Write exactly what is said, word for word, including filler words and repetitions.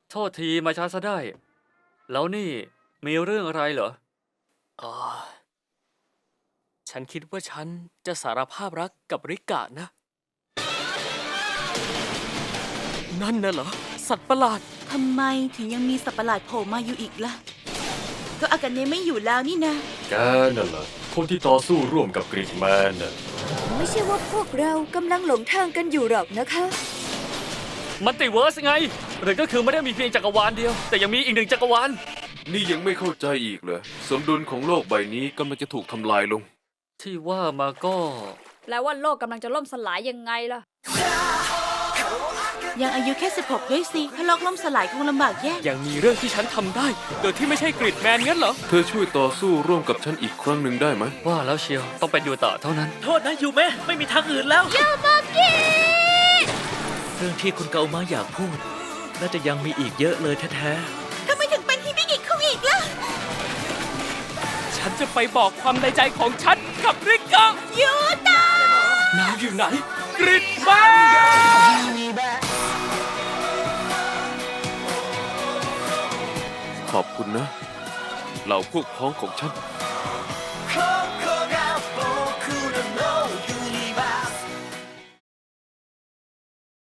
โทษทีมาช้าซะได้ แล้วนี่มีเรื่องอะไรเหรออ๋อ ฉันคิดว่าฉันจะสารภาพรักกับริกะนะ นั่นน่ะเหรอ สัตว์ประหลาดทำไมถึงยังมีสัตว์ประหลาดโผล่มาอยู่อีกล่ะ ก็อากาเนะไม่อยู่แล้วนี่นะแกนั่นแหละคนที่ต่อสู้ร่วมกับกรีดแมนน่ะไม่ใช่ว่าพวกเรากำลังหลงทางกันอยู่หรอกนะคะมันติเวิร์สไง หรือก็คือไม่ได้มีเพียงจักรวาลเดียว แต่ยังมีอีกหนึ่งจักรวาลนี่ยังไม่เข้าใจอีกเหรอสมดุลของโลกใบนี้กำลังจะถูกทำลายลงที่ว่ามาก็แปลว่าโลกกำลังจะล่มสลายยังไงล่ะยังอายุแค่สิบหกด้วยสิถ้าโลกล่มสลายคงลำบากแย่ยังมีเรื่องที่ฉันทำได้ โดยที่ไม่ใช่กริดแมนงั้นเหรอเธอช่วยต่อสู้ร่วมกับฉันอีกครั้งหนึ่งได้ไหมว่าแล้วเชียวต้องเป็นยูตะเท่านั้นโทษนะยูเมะไม่มีทางอื่นแล้วยูมากิเรื่องที่คุณเกามาอยากพูด น่าจะยังมีอีกเยอะเลยแท้ทำไมถึงเป็นฮิบิกิคุงอีกล่ะฉันจะไปบอกความในใจของฉันกับริกะยูตะนาวอยู่ไหน กริดแมนขอบคุณนะ เหล่าพวกพ้องของฉัน